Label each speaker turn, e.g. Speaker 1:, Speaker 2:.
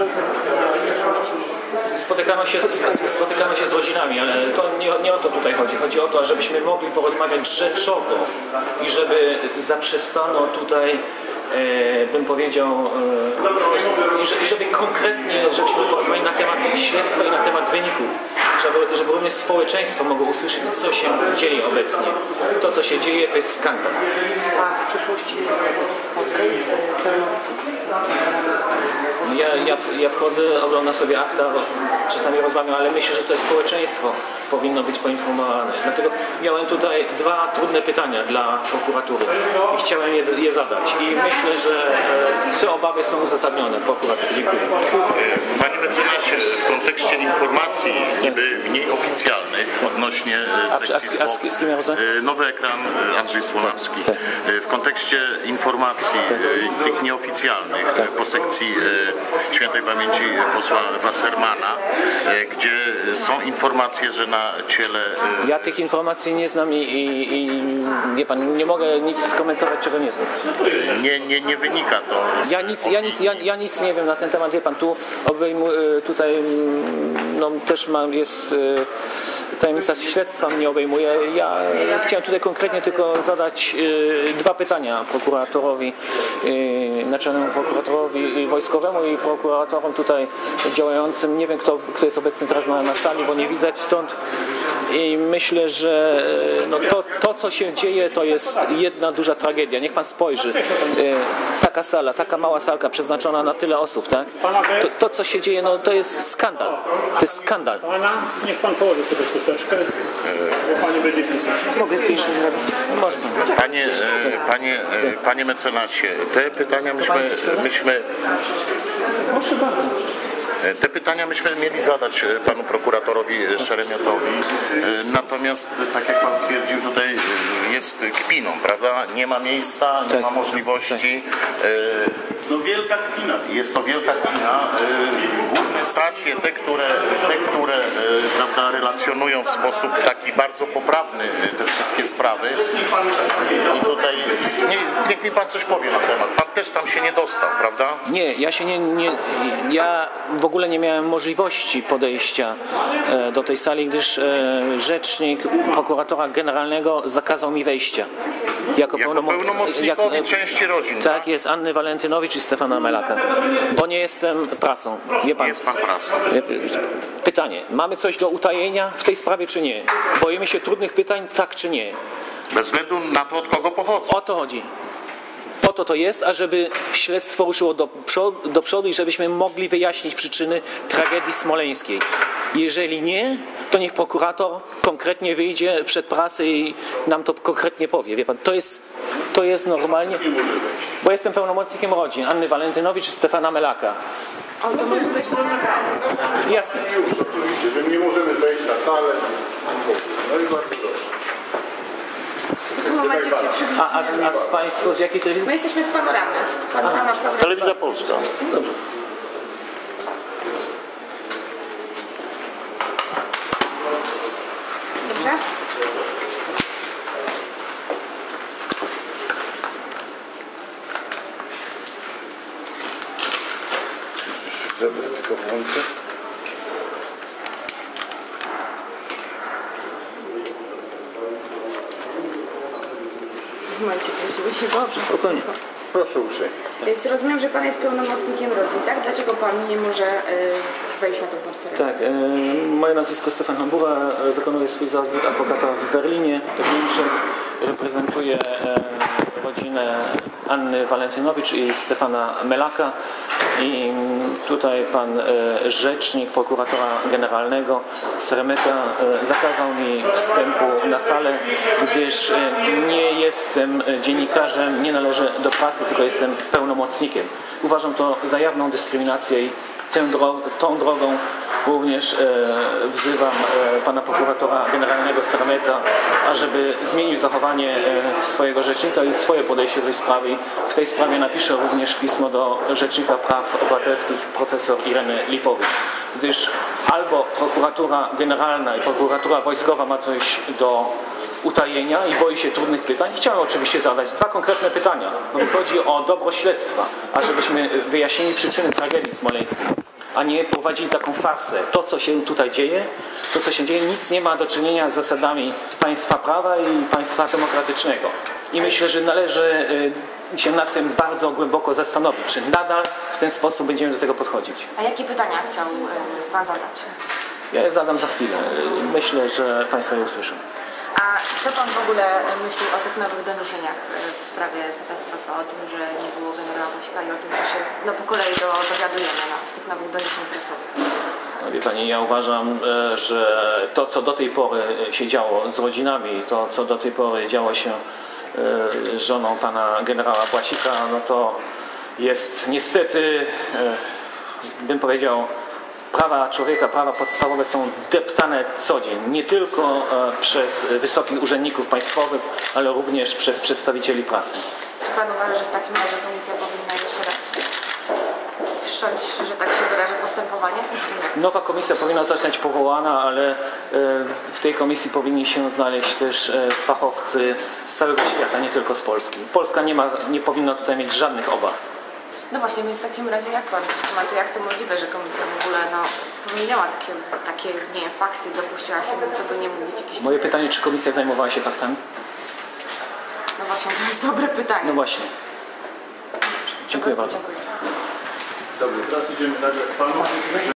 Speaker 1: Spotykamy się z rodzinami, ale to nie o to tutaj chodzi. Chodzi o to, żebyśmy mogli porozmawiać rzeczowo i żeby zaprzestano tutaj, bym powiedział, i żeby konkretnie, żebyśmy porozmawiali na temat śledztwa i na temat wyników, żeby również społeczeństwo mogło usłyszeć, co się dzieje obecnie. To, co się dzieje, to jest skandal.
Speaker 2: A w przyszłości pełną
Speaker 1: Ja wchodzę, oglądam sobie akta, czasami rozmawiam, ale myślę, że to społeczeństwo powinno być poinformowane. Dlatego miałem tutaj dwa trudne pytania dla prokuratury i chciałem je zadać. I myślę, że te obawy są uzasadnione. Prokurator, dziękuję.
Speaker 3: Panie mecenasie, w kontekście informacji niby mniej oficjalnych odnośnie sekcji
Speaker 1: z kim ja rozmawiam?
Speaker 3: Nowy Ekran, Andrzej Słonawski. W kontekście informacji tych nieoficjalnych po sekcji świętej pamięci posła Wassermana, gdzie są informacje, że na ciele...
Speaker 1: Ja tych informacji nie znam i wie pan, nie mogę nic skomentować, czego nie znam.
Speaker 3: Nie wynika to.
Speaker 1: Ja nic nie wiem na ten temat, wie pan, tutaj no, też jest tajemnica śledztwa mnie obejmuje. Ja chciałem tutaj konkretnie tylko zadać dwa pytania prokuratorowi, naczelnemu prokuratorowi wojskowemu i prokuratorom tutaj działającym. Nie wiem, kto jest obecny teraz na sali, bo nie widać stąd. I myślę, że no to, co się dzieje, to jest jedna duża tragedia. Niech pan spojrzy. Taka sala, taka mała salka przeznaczona na tyle osób, tak? To co się dzieje, no to jest skandal. To jest skandal.
Speaker 4: Niech pan położy sobie chusteczkę, bo pani będzie pisać.
Speaker 2: Mogę zdjęcie zrobić.
Speaker 1: Można.
Speaker 3: Panie mecenasie, te pytania myśmy
Speaker 1: Proszę bardzo.
Speaker 3: Te pytania myśmy mieli zadać panu prokuratorowi Szeremiotowi, natomiast tak jak pan stwierdził, tutaj jest kpiną, prawda? Nie ma miejsca, nie ma możliwości. No wielka kpina. Jest to wielka kpina. Główne stacje, te, które prawda, relacjonują w sposób taki bardzo poprawny te wszystkie sprawy. I tutaj niech mi pan coś powie na temat. Pan też tam się nie dostał, prawda?
Speaker 1: Nie, ja w ogóle nie miałem możliwości podejścia do tej sali, gdyż rzecznik prokuratora generalnego zakazał mi wejścia. Jako
Speaker 3: pełnomocnikowi części rodzin.
Speaker 1: Tak jest, Anny Walentynowicz i Stefana Melaka. Bo nie jestem prasą. Wie pan,
Speaker 3: nie jest pan prasą.
Speaker 1: Pytanie, mamy coś do utajenia w tej sprawie, czy nie? Boimy się trudnych pytań, tak czy nie?
Speaker 3: Bez względu na to, od kogo pochodzą.
Speaker 1: O to chodzi. Po to jest, ażeby śledztwo ruszyło do przodu i żebyśmy mogli wyjaśnić przyczyny tragedii smoleńskiej. Jeżeli nie, to niech prokurator konkretnie wyjdzie przed prasę i nam to konkretnie powie. Wie pan, to jest normalnie, bo jestem pełnomocnikiem rodzin Anny Walentynowicz i Stefana Melaka.
Speaker 2: Ale to może być
Speaker 1: Jasne.
Speaker 5: Oczywiście, że nie możemy wejść na salę. No i bardzo dobrze.
Speaker 1: A z Państwo z jakiej telewizji?
Speaker 2: My jesteśmy z Panoramy. Panorama
Speaker 3: Telewizja Polska.
Speaker 1: Dobrze.
Speaker 2: Dobrze?
Speaker 5: Żeby tylko włączę.
Speaker 2: W momencie prosimy się dobrze.
Speaker 1: Spokojnie.
Speaker 5: Proszę uprzejmie.
Speaker 2: Więc rozumiem, że pan jest pełnomocnikiem rodzin, tak? Dlaczego pan nie może wejść na tą konferencję?
Speaker 1: Tak, moje nazwisko Stefan Hambura, wykonuję swój zawód adwokata w Berlinie, w Niemczech, reprezentuję rodzinę Anny Walentynowicz i Stefana Melaka i tutaj pan rzecznik prokuratora generalnego Sremeta zakazał mi wstępu na salę, gdyż nie jestem dziennikarzem, nie należę do prasy, tylko jestem pełnomocnikiem. Uważam to za jawną dyskryminację i tą drogą również wzywam pana prokuratora generalnego Sremeta, ażeby zmienił zachowanie swojego rzecznika i swoje podejście do tej sprawy. W tej sprawie napiszę również pismo do Rzecznika Praw Obywatelskich profesor Ireny Lipowicz, gdyż albo prokuratura generalna i prokuratura wojskowa ma coś do utajenia i boi się trudnych pytań. Chciałem oczywiście zadać dwa konkretne pytania. Chodzi o dobro śledztwa, ażebyśmy wyjaśnili przyczyny tragedii smoleńskiej. a nie prowadzili taką farsę. To, co się tutaj dzieje, nic nie ma do czynienia z zasadami państwa prawa i państwa demokratycznego. I myślę, że należy się nad tym bardzo głęboko zastanowić, czy nadal w ten sposób będziemy do tego podchodzić.
Speaker 2: A jakie pytania chciał Pan zadać?
Speaker 1: Ja je zadam za chwilę. Myślę, że Państwo je usłyszą.
Speaker 2: A co Pan w ogóle myśli o tych nowych doniesieniach w sprawie katastrofy, o tym, że nie było generała Błasika i o tym, co się po kolei dowiadujemy z tych nowych doniesień prasowych?
Speaker 1: No, wie Pani, ja uważam, że to, co do tej pory się działo z rodzinami, to, co do tej pory działo się z żoną pana generała Błasika, no to jest niestety, bym powiedział, prawa człowieka, prawa podstawowe są deptane co dzień. Nie tylko przez wysokich urzędników państwowych, ale również przez przedstawicieli prasy.
Speaker 2: Czy Pan uważa, że w takim razie komisja powinna jeszcze raz wszcząć, że tak się wyrażę, postępowanie?
Speaker 1: Nowa komisja powinna zostać powołana, ale w tej komisji powinni się znaleźć też fachowcy z całego świata, nie tylko z Polski. Polska nie powinna tutaj mieć żadnych obaw.
Speaker 2: No właśnie, więc w takim razie jak Pan komentuje, jak to możliwe, że komisja w ogóle pominęła takie nie wiem, fakty, dopuściła się, co by nie mówić jakieś...
Speaker 1: Moje pytanie, czy komisja zajmowała się faktami?
Speaker 2: No właśnie, to jest dobre pytanie.
Speaker 1: No właśnie. Dziękuję bardzo.
Speaker 2: Dziękuję.
Speaker 5: Dobrze, teraz idziemy nagrać panu.